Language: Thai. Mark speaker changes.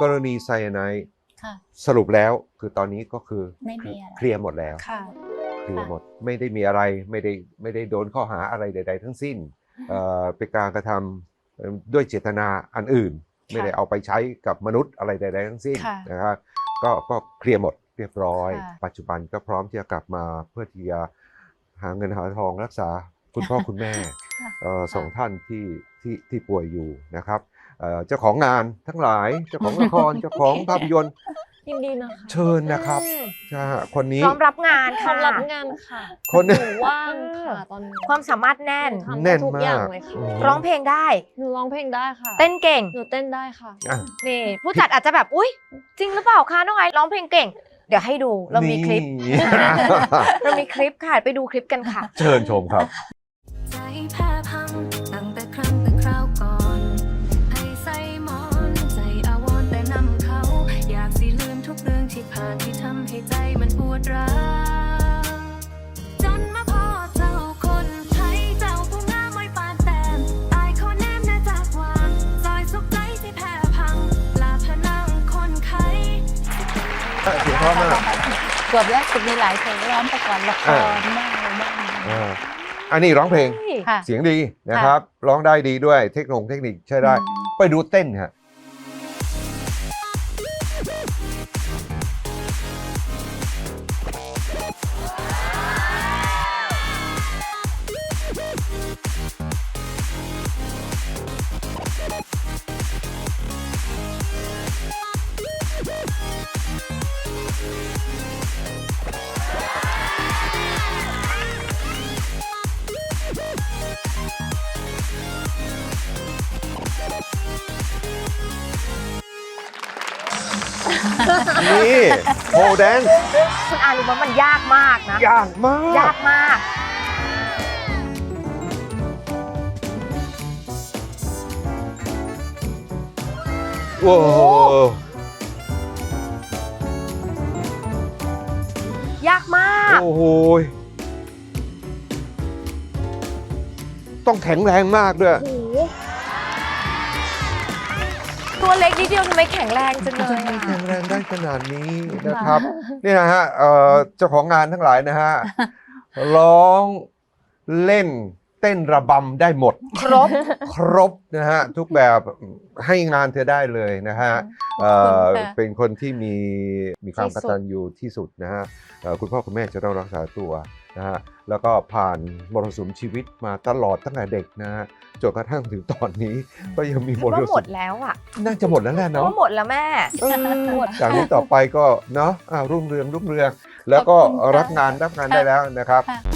Speaker 1: กรณีไซยาไนด์
Speaker 2: ค่ะ
Speaker 1: สรุปแล้วคือตอนนี้ก็คือ
Speaker 2: ไม่มีอะไร
Speaker 1: เคลียร์หมดแล้ว
Speaker 2: ค่ะ
Speaker 1: เคลียร์หมดไม่ได้มีอะไรไม่ได้โดนข้อหาอะไรใด ๆ ทั้งสิ้นเป็นการกระทำด้วยเจตนาอันอื่น ไม่ได้เอาไปใช้กับมนุษย์อะไรใดๆทั้งสิ้น
Speaker 2: ค่ะ
Speaker 1: นะครับก็เคลียร์หมดเรียบร้อย
Speaker 2: ค่ะ
Speaker 1: ปัจจุบันก็พร้อมที่จะกลับมาเพื่อที่จะหาเงินหาทองรักษาคุณพ่อคุณแม่สองท่านที่ป่วยอยู่นะครับเจ้าของงานทั้งหลายเจ้าของละคร เจ้าของภาพยนตร์
Speaker 2: ยินดีนะคะ
Speaker 1: เชิญนะครับคนนี้
Speaker 3: พร้อมรับงาน
Speaker 2: พร้อ
Speaker 3: ค่ะ
Speaker 2: มรับงานค่ะ
Speaker 1: คน
Speaker 2: หนูว่างค่ะตอนนี้
Speaker 3: ความสามารถแน่น
Speaker 2: ทำ
Speaker 1: แน่
Speaker 2: ได้
Speaker 1: น
Speaker 2: ทุกอย่าง
Speaker 1: มาก
Speaker 2: เลยค่ะ
Speaker 3: ร้องเพลงได้
Speaker 2: หนูร้องเพลงได้ค่ะ
Speaker 3: เต้นเก่ง
Speaker 2: หนูเต้นได้ค่ะ
Speaker 1: อ่ะ
Speaker 3: นี่ผู้จัดอาจจะแบบอุ๊ยจริงหรือเปล่าคะน้องไอซ์ร้องเพลงเก่ง เดี๋ยวให้ดูเรามีคลิป
Speaker 1: นี่
Speaker 3: เรามีคลิปค่ะไปดูคลิปกันค่ะ
Speaker 1: เชิญชมครับ
Speaker 4: ใจแพ้พังตั้งแต่ครั้งแต่คราวก่อนให้ใส่หมอนใจอาวรณ์แต่นำเขา อยากสิลืมทุกเรื่องที่ผ่านที่ทำให้ใจมันปวดร้าวจนมาพอเจ้าคนไทยเจ้าผู้งามไว้ปานแต้มตายเขาแนมน่าจากวางซอยสุขใจที่แพ้พังลาพนังคนไข้
Speaker 1: เสียงเพราะมาก
Speaker 2: เกือบแล้วมีหลายเพลงร้องประกอบละครบ้างอะไรบ้าง
Speaker 1: อันนี้ร้องเพลง
Speaker 2: ค่ะ
Speaker 1: เสียงดีนะครับ ร้องได้ดีด้วยเทคนิคใช้ได้ ไปดูเต้นฮะ นี่โฮแดน
Speaker 3: คุณอารู้ว่ามันยากมากนะ
Speaker 1: ยากมาก
Speaker 3: ยากมาก
Speaker 1: โอ้โห
Speaker 3: ยากมาก
Speaker 1: โอ้โหต้องแข็งแรงมากด้วย
Speaker 3: โอ้โหตัวเล็กนิดเดียวทำไมแข็งแรงจังเลย
Speaker 1: ไม่
Speaker 3: อะ
Speaker 1: แข็งแรงได้ขนาดนี้นะครับ นี่นะฮะเจ้าของงานทั้งหลายนะฮะ ร้องเล่นเต้นระบำได้หมด ครบนะฮะ ทุกแบบให้งานเธอได้เลยนะฮะ เป็นคนที่มีความกตัญญูที่สุดนะฮะคุณพ่อคุณแม่จะต้องรักษาตัวนะฮะแล้วก็ผ่านมรสุมชีวิตมาตลอดตั้งแต่เด็กนะฮะจนกระทั่งถึงตอนนี้ก็ยังมีม
Speaker 3: ว่าร หม
Speaker 1: สุ
Speaker 3: ด
Speaker 1: ม
Speaker 3: แล้วอ่ะ
Speaker 1: น่าจะหมดแล้วแหละเนาะ
Speaker 3: ว่าหมดแล้วแม่
Speaker 1: จากนี้ต่อไปก็เนาะรุ่งเรืองแล้วก็รับงานได้แล้วนะครับ
Speaker 2: ค่ะ